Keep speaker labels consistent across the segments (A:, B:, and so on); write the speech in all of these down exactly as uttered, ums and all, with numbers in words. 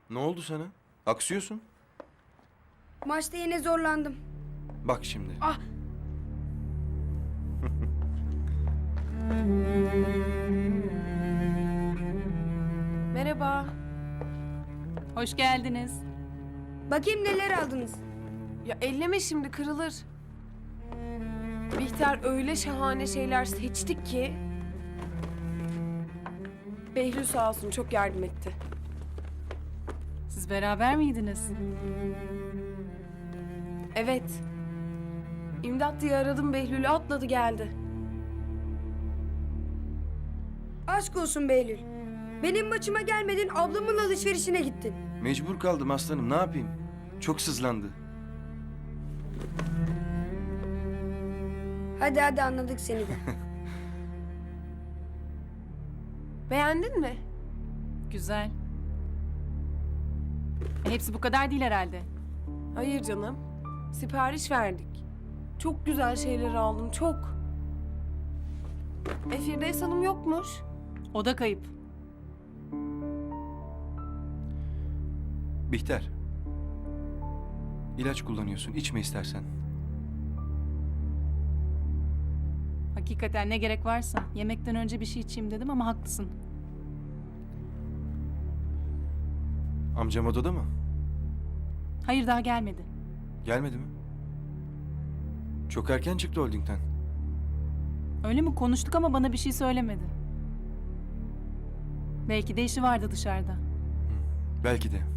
A: Ne oldu sana? Aksıyorsun.
B: Maçta yine zorlandım.
A: Bak şimdi.
B: Ah!
C: Merhaba.
D: Hoş geldiniz.
B: Bakayım neler aldınız.
C: Ya elleme şimdi kırılır. Bihter öyle şahane şeyler seçtik ki. Behlül sağ olsun çok yardım etti.
D: Siz beraber miydiniz?
C: Evet. İmdat diye aradım Behlül'ü atladı geldi.
B: Aşk olsun Behlül. Benim maçıma gelmedin, ablamın alışverişine gittin.
A: Mecbur kaldım aslanım. Ne yapayım? Çok sızlandı.
B: Hadi hadi anladık seni de.
C: Beğendin mi?
D: Güzel. E, hepsi bu kadar değil herhalde.
C: Hayır canım. Sipariş verdik. Çok güzel şeyler aldım çok. E Firdevs Hanım yokmuş.
D: O da kayıp.
A: Bihter. İlaç kullanıyorsun. İçme istersen.
D: Hakikaten ne gerek varsa. Yemekten önce bir şey içeyim dedim ama haklısın.
A: Amcam odada mı?
D: Hayır, daha gelmedi.
A: Gelmedi mi? Çok erken çıktı holdingden.
D: Öyle mi? Konuştuk ama bana bir şey söylemedi. Belki de işi vardı dışarıda.
A: Belki de.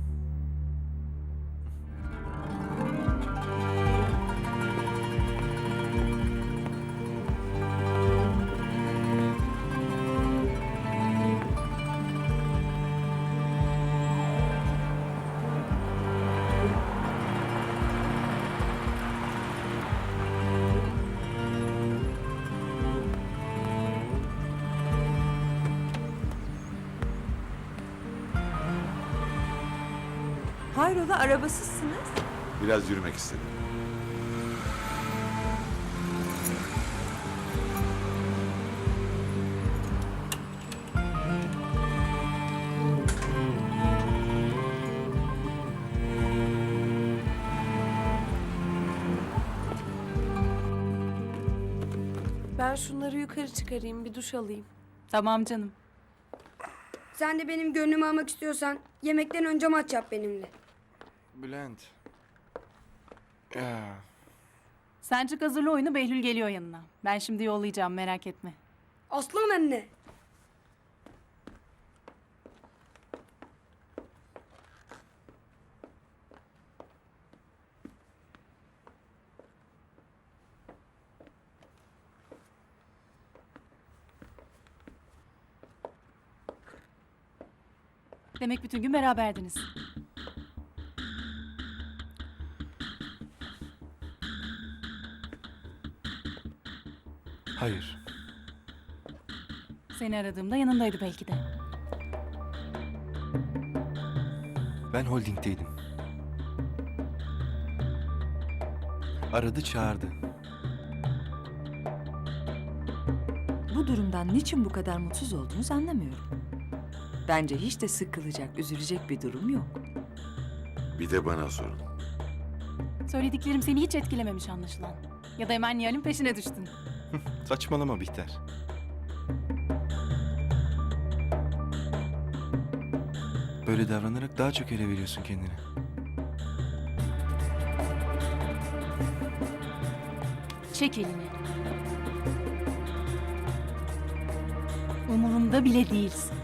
E: Hayrola arabasızsınız?
F: Biraz yürümek istedim.
C: Ben şunları yukarı çıkarayım bir duş alayım.
D: Tamam canım.
B: Sen de benim gönlümü almak istiyorsan yemekten önce maç yap benimle.
A: Bülent. Ya.
D: Sen çık hazırla oyunu, Behlül geliyor yanına. Ben şimdi yollayacağım, merak etme.
B: Aslan anne.
D: Demek bütün gün beraberdiniz.
A: Hayır.
D: Seni aradığımda yanındaydı belki de.
A: Ben holdingdeydim. Aradı çağırdı.
E: Bu durumdan niçin bu kadar mutsuz olduğunuz anlamıyorum. Bence hiç de sıkılacak, üzülecek bir durum yok.
F: Bir de bana sorun.
D: Söylediklerim seni hiç etkilememiş anlaşılan. Ya da hemen Nihal'in peşine düştün.
A: Saçmalama Bihter. Böyle davranarak daha çok ele veriyorsun kendini.
D: Çek elini. Umurumda bile değilsin.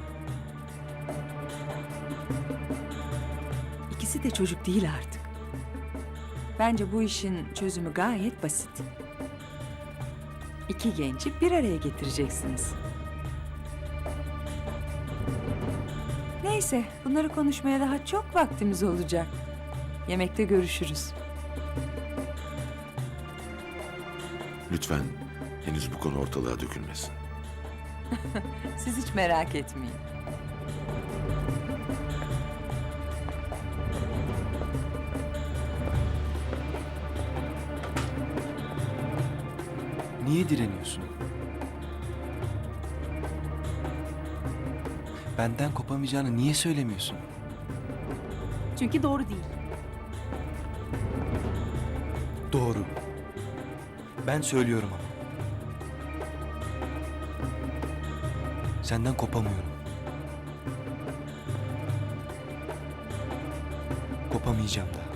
E: İkisi de çocuk değil artık. Bence bu işin çözümü gayet basit. İki genci bir araya getireceksiniz. Neyse, bunları konuşmaya daha çok vaktimiz olacak. Yemekte görüşürüz.
F: Lütfen henüz bu konu ortalığa dökülmesin.
E: Siz hiç merak etmeyin.
A: Niye direniyorsun? Benden kopamayacağını niye söylemiyorsun?
D: Çünkü doğru değil.
A: Doğru. Ben söylüyorum ama. Senden kopamıyorum. Kopamayacağım da.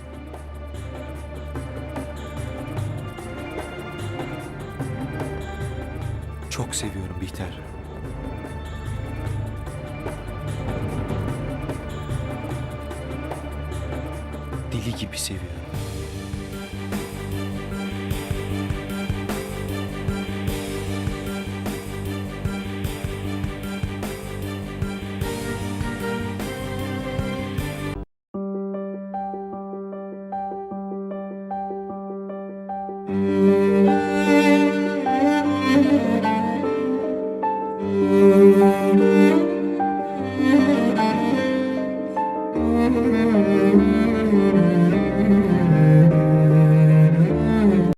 A: Çok seviyorum Bihter. Deli gibi seviyorum.